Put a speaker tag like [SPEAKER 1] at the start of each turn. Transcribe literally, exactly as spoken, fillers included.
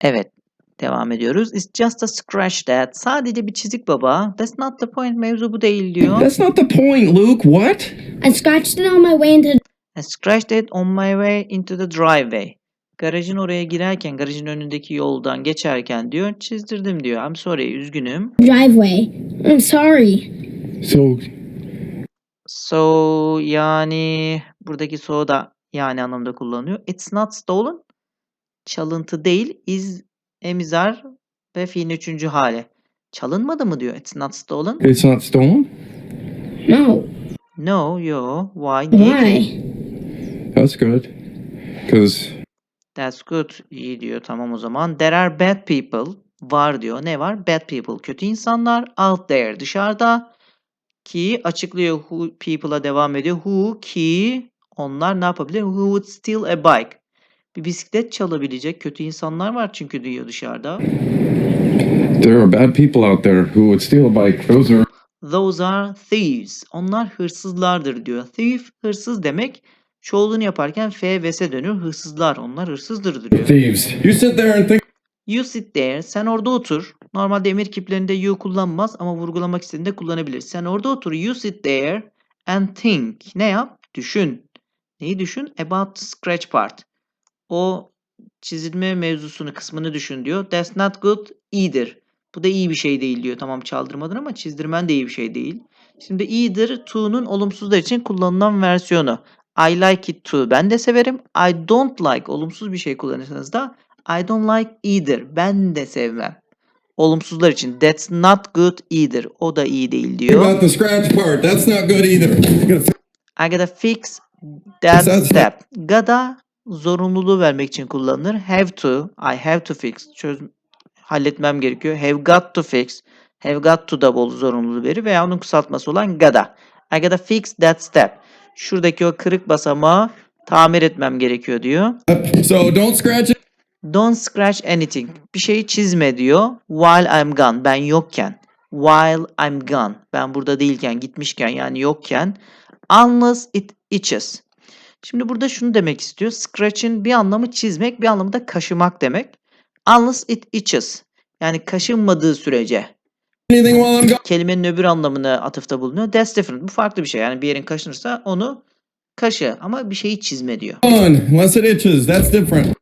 [SPEAKER 1] Evet. Devam ediyoruz. It's just a scratch that. Sadece bir çizik baba. That's not the point. Mevzu bu değil diyor.
[SPEAKER 2] That's not the point, Luke. What?
[SPEAKER 3] I scratched it on my way into
[SPEAKER 1] I scratched it on my way into the driveway. Garajın oraya girerken, garajın önündeki yoldan geçerken diyor, çizdirdim diyor. I'm sorry, üzgünüm.
[SPEAKER 3] driveway. I'm sorry.
[SPEAKER 2] So,
[SPEAKER 1] So yani buradaki so da yani anlamda kullanılıyor. It's not stolen. Çalıntı değil. Is emizar ve fiilin üçüncü hali. Çalınmadı mı diyor. It's not stolen.
[SPEAKER 2] it's not stolen?
[SPEAKER 3] No.
[SPEAKER 1] No, yo. Why? Niye ki?
[SPEAKER 3] Why?
[SPEAKER 2] That's good. Because
[SPEAKER 1] That's good. İyi diyor. Tamam o zaman. There are bad people. Var diyor. Ne var? Bad people. Kötü insanlar. Out there. Dışarıda. Ki açıklıyor. Who people'a devam ediyor. Who ki onlar ne yapabilir? Who would steal a bike? Bir bisiklet çalabilecek kötü insanlar var çünkü diyor dışarıda.
[SPEAKER 2] there are bad people out there who would steal a bike. Those are
[SPEAKER 1] Those are thieves. Onlar hırsızlardır diyor. Thief hırsız demek. Çoğulunu yaparken F ve S dönüyor. Hırsızlar. Onlar hırsızdır diyor.
[SPEAKER 2] thieves. You sit there and think.
[SPEAKER 1] You sit there. Sen orada otur. Normalde emir kiplerinde you kullanmaz ama vurgulamak istediğinde kullanabilir. Sen orada otur. You sit there and think. Ne yap? Düşün. Neyi düşün? About the scratch part. O çizilme mevzusunu, kısmını düşün diyor. That's not good either. Bu da iyi bir şey değil diyor. Tamam çaldırmadın ama çizdirmen de iyi bir şey değil. Şimdi either to'nun olumsuzlar için kullanılan versiyonu. I like it too. Ben de severim. I don't like. Olumsuz bir şey kullanırsanız da I don't like either. Ben de sevmem. Olumsuzlar için. That's not good either. O da iyi değil diyor.
[SPEAKER 2] About the scratch part. That's not good either. You gotta fix
[SPEAKER 1] I gotta fix that
[SPEAKER 2] That
[SPEAKER 1] step. Gotta zorunluluğu vermek için kullanılır. Have to. I have to fix. Çöz halletmem gerekiyor. Have got to fix. Have got to da bol zorunluluğu verir veya onun kısaltması olan gotta. I gotta fix that step. Şuradaki o kırık basamağı tamir etmem gerekiyor diyor.
[SPEAKER 2] So don't scratch it.
[SPEAKER 1] Don't scratch anything. Bir şeyi çizme diyor. While I'm gone. Ben yokken. While I'm gone. Ben burada değilken, gitmişken yani yokken. Unless it itches. Şimdi burada şunu demek istiyor. Scratch'in bir anlamı çizmek, bir anlamı da kaşımak demek. Unless it itches. Yani kaşınmadığı sürece.
[SPEAKER 2] Anything while I'm gone.
[SPEAKER 1] Kelimenin öbür anlamına atıfta bulunuyor. That's different. Bu farklı bir şey. Yani bir yerin kaşınırsa onu kaşı ama bir şeyi çizme diyor.
[SPEAKER 2] Unless it itches. That's different.